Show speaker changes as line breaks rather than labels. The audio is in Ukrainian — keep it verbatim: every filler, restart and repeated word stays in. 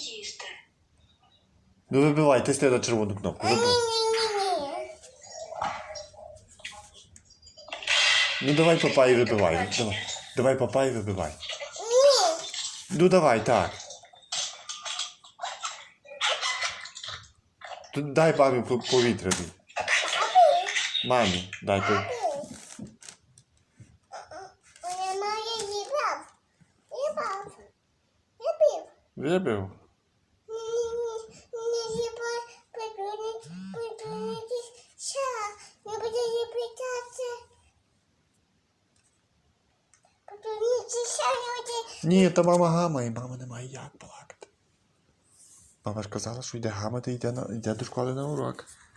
їсти.
Ну вибивай, тисни на червону кнопку. Вибивай.
Ні-ні-ні.
Ну давай папай вибивай. Давай, давай папай вибивай.
Ні.
Ну давай, так. Тут дай мамі по- повітря. Мамі, дай повітря.
Вона має їбав. Їбав. Я пив.
Вибив.
Ні-ні-ні. Не їбав. Придурити. Придурити. Ша. Не буде їбитати. Придурити. Ша не буде.
Ні, то мама гамає, мама не має як плакати. Мама ж казала, що йде гамати, йде, на, йде до школи на урок.